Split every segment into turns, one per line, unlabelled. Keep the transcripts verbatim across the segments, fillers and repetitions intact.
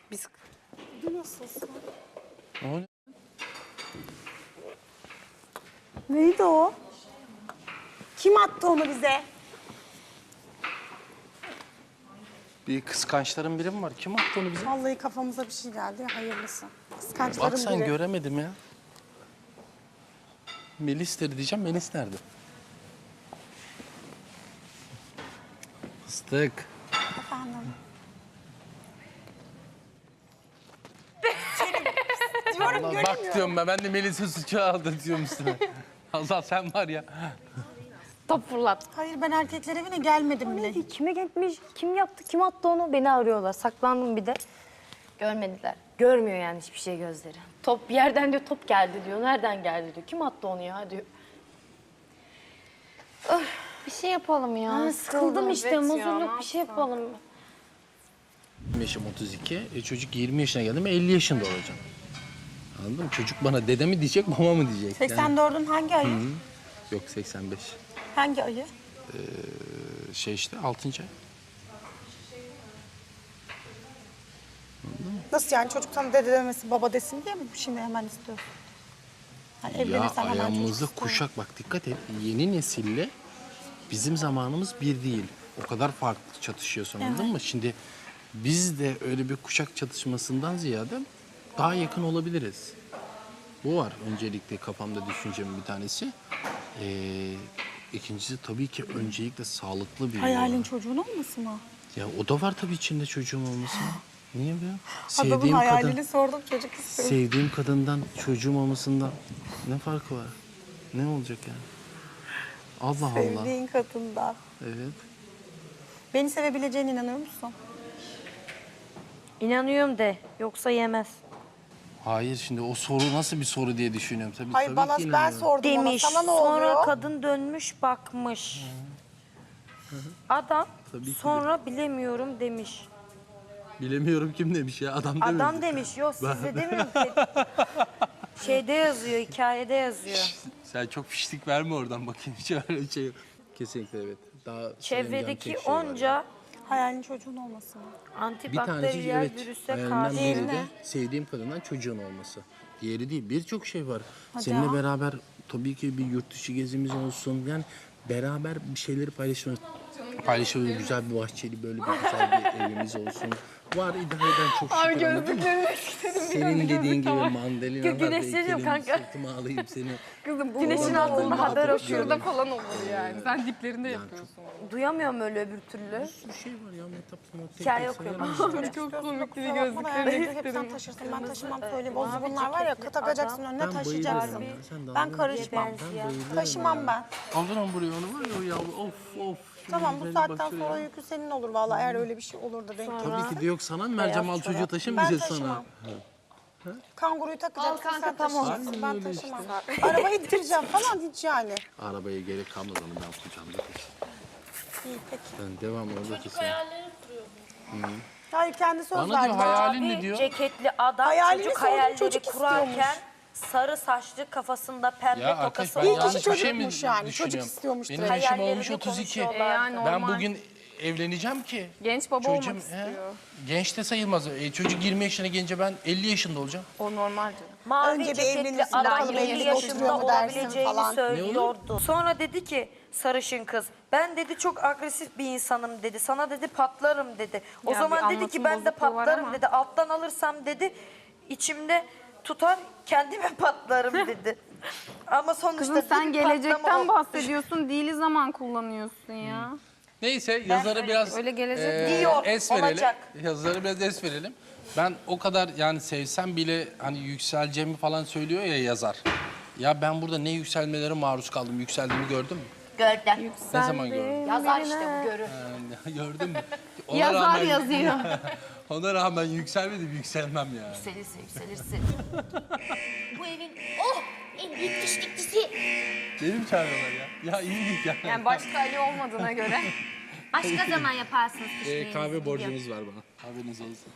Biz...
Nasılsın?
O ne?
Neydi o? Kim attı onu bize?
Bir kıskançların biri mi var? Kim attı onu bize?
Vallahi kafamıza bir şey geldi. Hayırlısı. Kıskançların
Bak sen
biri.
göremedim ya. Melis'tir diyeceğim. Melis nerede? Fıstık.
Efendim. Diyorum
Allah,
göremiyorum.
bak diyorum ben. Ben de Melis'in suçu aldı diyorum üstüne. Allah sen var ya.
Top fırlat.
Hayır ben erkekler evine gelmedim bile.
Neydi? Kime gitmiş? Kim yaptı? Kim attı onu? Beni arıyorlar. Saklandım bir de.
Görmediler.
Görmüyor yani hiçbir şey gözleri.
Top bir yerden diyor top geldi diyor. Nereden geldi diyor. Kim attı onu ya diyor. Öf, bir şey yapalım ya.
Ha, sıkıldım işte.
Evet ya,
Muzurluk
ne
bir şey
yapsam?
yapalım.
Yaşım otuz iki. E, çocuk yirmi yaşına geldi mi elli yaşında olacağım. Anladın mı? Çocuk bana dede mi diyecek, baba mı diyecek? Yani-
seksen dördün hangi ayı?
Yok seksen beş.
Hangi ayı?
Ee, şey işte altıncı ay.
Nasıl yani çocuk sana dede demesi baba desin diye mi şimdi hemen istiyorsun? Yani
Ya
evlenirsen hemen çocuk
ayağımızda
istiyorum.
kuşak bak dikkat et. Yeni nesille bizim zamanımız bir değil. O kadar farklı çatışıyorsun anladın mı? Şimdi biz de öyle bir kuşak çatışmasından ziyade daha yakın olabiliriz. Bu var öncelikle kafamda düşüncemin bir tanesi. Ee, ikincisi tabii ki öncelikle sağlıklı bir
Hayalin
yuva.
çocuğun olmasın mı?
Ya o da var tabii içinde çocuğum olması. Niye be?
Adamın
Sevdiğim
hayalini
kadın,
sordum çocuk istiyorum.
sevdiğim kadından çocuğum olmasından ne farkı var? Ne olacak yani? Allah Allah.
Sevdiğin kadından.
Evet.
Beni sevebileceğine inanıyor musun?
İnanıyorum de. Yoksa yemez.
Hayır şimdi o soru nasıl bir soru diye düşünüyorum. Tabii,
Hayır
tabii
bana
ki
ben
inanıyorum.
sordum
Demiş.
ona. Sana ne
Sonra
oluyor?
kadın dönmüş bakmış. Adam
Tabii ki de.
sonra bilemiyorum demiş.
Bilemiyorum kim demiş ya adam demedi.
Adam demiş. Yok size demiyorum ki. Şeyde yazıyor, hikayede yazıyor.
Sen çok fişlik verme oradan bakayım hiç öyle şey yok. Kesinlikle evet. Daha
Çevredeki
söyleyeceğim tek şey var
onca
yani.
Hayalin çocuğun olmasın mı?
Bir tanesi
antibakteriyel
evet.
virüse
Hayalimden
karşı.
biri de sevdiğim kadından çocuğun olması. Diğeri değil. Birçok şey var.
Hadi
Seninle
ya.
beraber tabii ki bir yurt dışı gezimiz olsun. Yani beraber bir şeyleri paylaşıyoruz. Paylaşıyoruz. Güzel bir bahçeli böyle bir güzel bir evimiz olsun. Var idare eden çok şükür.
Abi
anladın mı?
gözlüklerini istedim.
Senin dediğin gibi mandalina var.
güneşleniyorum kanka.
Sırtıma alayım seni.
Kızım bu
Güneşin
bu-
altında
bu-
haber
bu-
okuyorum.
Şurada falan olur yani. Sen diplerinde yapıyorsun.
Duyamıyorum öyle öbür türlü.
Bir şey var ya metap sanat.
Hikaye okuyorum.
Çocuk çok komik değil
Kusura bakma da yani
gözlüklerini
hep sen
istedim.
taşırsın ben taşımam söyleyeyim. O
mavi
bunlar var ya
ceketli
takacaksın
adam.
önüne
Ben
taşıyacaksın.
bayılıyorum ya, sen de
Ben
anladın.
karışmam.
Ben siyah.
bayılıyorum
Taşımam
ya.
ben.
Aldın onu buraya onu var ya o ya of of.
Tamam bu
Şimdi
saatten
bak şuraya.
sonra yükü senin olur vallahi eğer öyle bir şey olur da denk gelir.
Tabii ki de yok sana mı vereceğim al çocuğu taşımayacağız
Ben
sana.
taşımam. Kanguruyu takacaksın
Al kanka,
sen
tamam.
taşıyacaksın ben
Aynen öyle
taşımam. Arabayı ittireceğim falan hiç yani.
Arabaya gerek kalmaz onu ben kucağımda taşıyayım.
İyi peki.
Ben devam orada taşıyayım.
Hayır kendi söz
Bana diyor
verdi.
hayalin ne
Mavi
diyor?
ceketli adam
Hayalini
çocuk
sordum,
hayalleri
çocuk
kurarken
istiyormuş.
sarı saçlı kafasında pembe
Ya arkadaş
tokası
ben
İyi ki
olan
yanlış bir şey mi
çocukmuş yani, çocuk
düşünüyorum?
istiyormuş
Benim
direkt.
yaşım
hayallerini
olmuş otuz iki.
konuşuyorlar.
E yani normal.
Ben bugün evleneceğim ki.
Genç baba
Çocuğum,
olmak
he?
istiyor.
Genç de sayılmaz. E, çocuk yirmi yaşına gelince ben elli yaşında olacağım.
O normal canım.
Mavi
Önce bir
ceketli
evlenirsin,
adam
bakalım
elli
evlilik
yaşında
oturuyor mu dersin
olabileceğini
falan.
söylüyordu. Sonra dedi ki sarışın kız ben dedi çok agresif bir insanım dedi. Sana dedi patlarım dedi. O
Ya
zaman
bir
dedi ki
anlatım
ben de
bozukluğu var
patlarım
ama.
dedi. Alttan alırsam dedi içimde tutar kendime patlarım dedi. Ama sonuçta
Kızım
dedi,
sen gelecekten
patlama o.
bahsediyorsun. Dili zaman kullanıyorsun ya.
Neyse yazarı biraz
Öyle gelecek
eee,
Diyor,
es verelim.
olacak.
Yazarı biraz es verelim. Ben o kadar yani sevsem bile hani yükseleceğimi falan söylüyor ya yazar. Ya ben burada ne yükselmelere maruz kaldım. Yükseldiğimi gördün mü?
Gördüm.
Ne zaman gördün?
Yazar işte bu görür.
Yani gördün mü? Ona
Yazar
rağmen,
yazıyor.
ona rağmen yükselmedim, yükselmem yani.
Yükselirsin, yükselirsin. Bu evin oh en büyük dişlikçisi.
Benim çağırıyorlar ya. Ya iyiydik ya.
Yani başka Ali olmadığına göre.
Başka zaman yaparsınız
Ee,
kışlayınızı.
kahve borcunuz var bana. Haberiniz olsun.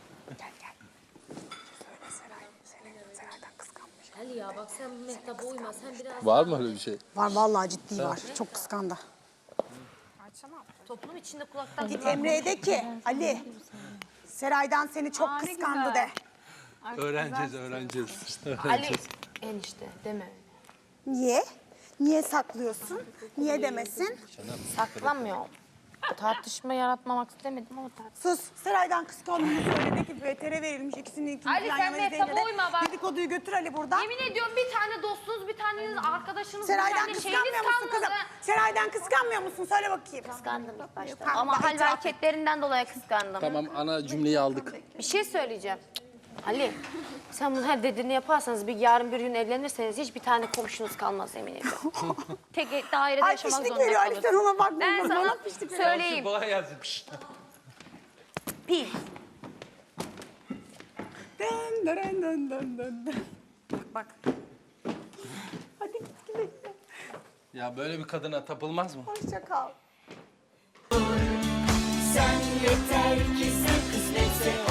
Ali ya bak sen bu mehtaba uyma. Sen biraz
Var mı öyle bir şey?
Var vallahi ciddi var. Çok kıskandı.
toplum içinde kulaktan
Git Emre'ye de ki Ali Seray'dan seni çok
Aa, ne
kıskandı
güzel.
de.
Öğreneceğiz, öğreneceğiz.
Ali enişte deme.
Niye? Niye saklıyorsun? Niye demesin?
Saklanmıyorum. Tartışma yaratmamak istemedim ama tartışma.
Sus. Seray'dan kıskandığını söyledi ki V T R verilmiş. İkisini ikini
Ali,
yan
sen
yana
Mehtap'a
izleyince de
uyma bak.
dedikoduyu götür Ali buradan.
Yemin ediyorum bir tane dostunuz, bir taneniz arkadaşınız, bir
Seray'dan
tane şeyiniz
kıskanmıyor musun
kalmadı.
kızım? Seray'dan kıskanmıyor musun? Söyle bakayım.
Kıskandım ilk başta.
Tamam,
Ama hal ve
itiraf et.
hareketlerinden dolayı kıskandım.
Tamam, ana cümleyi aldık.
Bir şey söyleyeceğim. Ali, sen bunun her dediğini yaparsanız bir yarın bir gün evlenirseniz hiçbir tane komşunuz kalmaz yemin ediyorum. Tek dairede
Ay
yaşamak
pişlik
zorunda
veriyor Ali, sen
kalırsın.
ona bakma.
Ben
Bana
sana
pişlik veriyor.
söyleyeyim.
Kolay gelsin. Pişt.
Pi.
Dön, dön, dön, dön, dön, dön.
Bak.
Hadi git güle güle.
Ya böyle bir kadına tapılmaz mı?
Hoşça kal.
Sen yeter ki sen kısmetse